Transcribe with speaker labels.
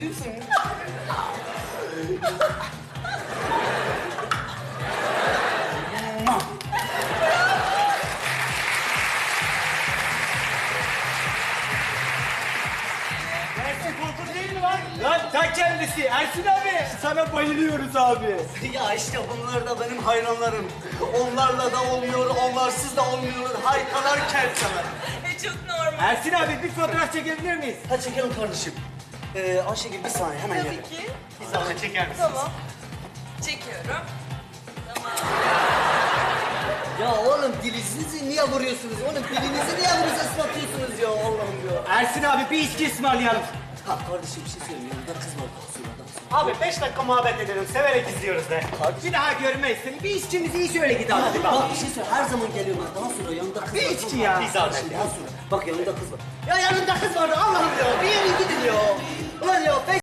Speaker 1: Ersin Korkut değil mi lan? Lan ta kendisi. Ersin abi. Sana bayılıyoruz abi.
Speaker 2: Ya işte bunlar da benim hayranlarım. Onlarla da olmuyor, onlarsız da olmuyor. Harikalar kerteler.
Speaker 3: Çok normal.
Speaker 1: Ersin abi bir fotoğraf çekebilir miyiz?
Speaker 2: Ha çekelim kardeşim. Ayşegül bir saniye hemen
Speaker 3: Tabii
Speaker 2: gel.
Speaker 3: ki.
Speaker 2: Bir zahmet çeker misin?
Speaker 3: Tamam. Çekiyorum. Tamam.
Speaker 2: Ya oğlum dilinizi niye vuruyorsunuz? Oğlum dilinizi niye vuruyorsunuz, ıslatıyorsunuz ya Allah'ım ya.
Speaker 1: Ersin abi bir içki ısmarlayalım.
Speaker 2: Ha kardeşim bir şey söyleyeyim. Yanında kız var. Sonradan sonra.
Speaker 1: Abi 5 dakika muhabbet edelim. Severek izliyoruz de. Bir daha görmeyiz seni. Bir içkimizi iyi söyle git abi. Hadi
Speaker 2: Bak bir şey söyle. Her zaman geliyorum. Daha sonra yanında kız
Speaker 1: Bir
Speaker 2: var.
Speaker 1: içki ya.
Speaker 2: Bir zahmet ya. Daha sonra. Bak yanında kız var. Ya yanında kız vardı Allah'ım ya. Bir yere gidin ya. Ulan ya